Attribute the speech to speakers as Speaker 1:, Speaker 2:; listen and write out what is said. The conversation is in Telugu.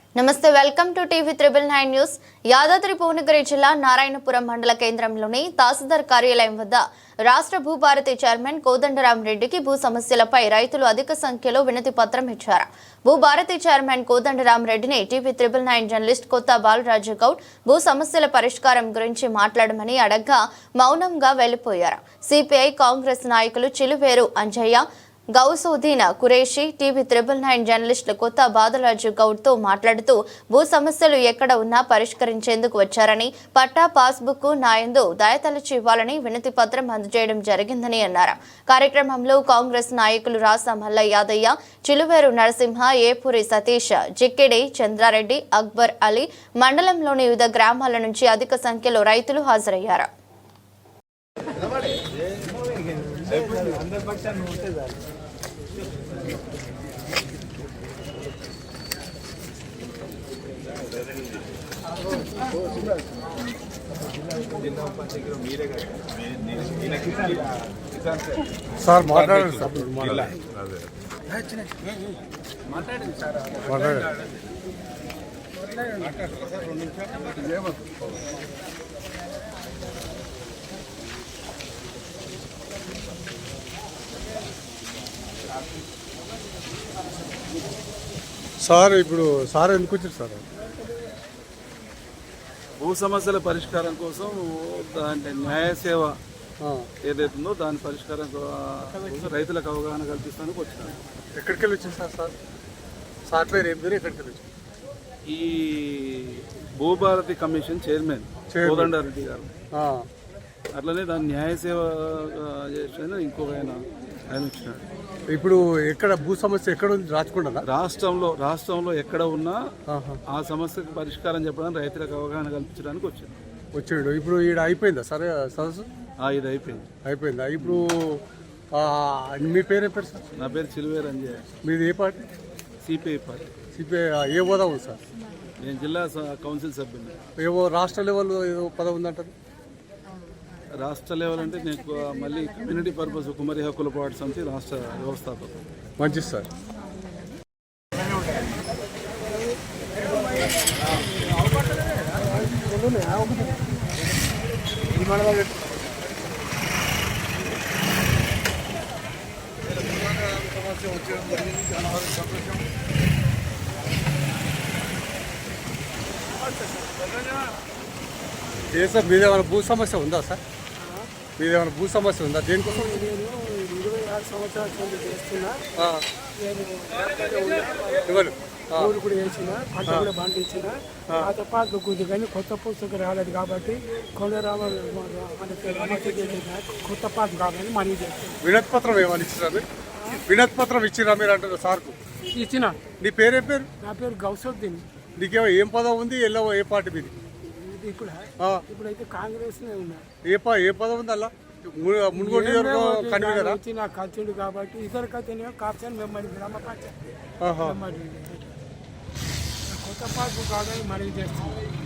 Speaker 1: నమస్తే welcome to TV 999 news. Yadadri Bhuvanagiri జిల్లా నారాయణపురం మండల కేంద్రంలోని తహసీల్దార్ కార్యాలయం వద్ద రాష్ట్ర భూభారతి చైర్మన్ కోదండరాం రెడ్డికి భూ సమస్యలపై రైతులు అధిక సంఖ్యలో వినతి పత్రం ఇచ్చారు. భూభారతి చైర్మన్ కోదండరాం రెడ్డిని టీవీ 999 జర్నలిస్ట్ కొత్త బాలరాజు గౌడ్ భూ సమస్యల పరిష్కారం గురించి మాట్లాడమని అడగ్గా మౌనంగా వెళ్లిపోయారు. సిపిఐ కాంగ్రెస్ నాయకులు చిలువేరు అంజయ్య, గౌసోదీన్ కురేషి టీవీ 999 జర్నలిస్టులు కొత్త బాలరాజు గౌడ్ తో మాట్లాడుతూ భూ సమస్యలు ఎక్కడ ఉన్నా పరిష్కరించేందుకు వచ్చారని, పట్టా పాస్బుక్ నాయందు దయతలచి ఇవ్వాలని వినతి పత్రం అందజేయడం జరిగిందని అన్నారు. కార్యక్రమంలో కాంగ్రెస్ నాయకులు రాస మల్ల యాదయ్య, చిలువేరు నరసింహ, ఏపూరి సతీష్, జిక్కిడి చంద్రారెడ్డి, అక్బర్ అలీ, మండలంలోని వివిధ గ్రామాల నుంచి అధిక సంఖ్యలో రైతులు హాజరయ్యారు.
Speaker 2: సార్ మాట్లాడండి సార్. సార్ ఇప్పుడు సార్ ఎందుకు వచ్చారు సార్?
Speaker 3: భూ సమస్యల పరిష్కారం కోసం దాని న్యాయ సేవ ఏదైతుందో దాని పరిష్కారం కోసం రైతులకు అవగాహన కల్పిస్తానికి వచ్చినాను.
Speaker 2: ఎక్కడికి వెళ్ళి వచ్చింది సార్? సాఫ్ట్వేర్ ఏం పేరు? ఎక్కడికి వెళ్ళి వచ్చింది?
Speaker 3: ఈ భూభారతి కమిషన్ చైర్మన్ కోదండారెడ్డి గారు, అట్లనే దాని న్యాయ సేవ చేసిన ఇంకొక ఆయన వచ్చినాడు.
Speaker 2: ఇప్పుడు ఎక్కడ భూ సమస్య ఎక్కడ ఉంది? రాచకొండ
Speaker 3: రాష్ట్రంలో ఎక్కడ ఉన్నా ఆ సమస్యకు పరిష్కారం చెప్పడానికి రైతులకు అవగాహన కల్పించడానికి
Speaker 2: వచ్చాడు. ఇప్పుడు ఈడ అయిపోయిందా సరే సదస్సు?
Speaker 3: ఇది
Speaker 2: అయిపోయిందా? ఇప్పుడు మీ పేరే పేరు సార్?
Speaker 3: నా పేరు చిలువేరు అంజయ్య.
Speaker 2: మీది ఏ పార్టీ?
Speaker 3: CPI party.
Speaker 2: సిపిఐ ఏ హోదా ఉంది సార్?
Speaker 3: నేను జిల్లా కౌన్సిల్ సభ్యుని.
Speaker 2: ఏవో రాష్ట్ర లెవెల్ ఏదో పదవి ఉందంటారు.
Speaker 3: రాష్ట్ర లెవెల్ అంటే నేను మళ్ళీ కమ్యూనిటీ పర్పస్ కుమరి హక్కుల పోరాట సమితి రాష్ట్ర వ్యవస్థాపకం.
Speaker 2: మంచిది సార్. ఏ సార్ మీదేమైనా భూ సమస్య ఉందా సార్? మీదేమైనా భూ సమస్య ఉందా? దేనికోసం?
Speaker 4: నేను 26 సంవత్సరాల నుంచి చేస్తున్నా. ఊరు కూడా వేసిన, పంట కూడా పండించిన. పాత పాత గుద్దు కానీ కొత్త పుస్తకం రాలేదు కాబట్టి కొండరామ కొత్త పాత కావాలని మనీ చేస్తాను.
Speaker 2: వినతి పత్రం ఏమని ఇచ్చిరా? వినతి పత్రం ఇచ్చిరా మీరు అంటారు సార్కు?
Speaker 4: ఇచ్చిన.
Speaker 2: నీ పేరే పేరు?
Speaker 4: నా పేరు గౌసోద్దీన్.
Speaker 2: నీకేమో ఏం పదవి ఉంది? ఎల్లవో ఏ పార్టీ మీది?
Speaker 4: ఇప్పుడైతే కాంగ్రెస్ ఉన్నా.
Speaker 2: ఏ పదవి ఉంది అలా? మున్గోడు కన్వీనరా?
Speaker 4: నాకు కలిసిండు కాబట్టి ఇతరుకైతేనే కాప్షన్ మెంబర్ గ్రామ పంచాయతీ కొత్త పార్కు కావాలని మనీ చేస్తాను.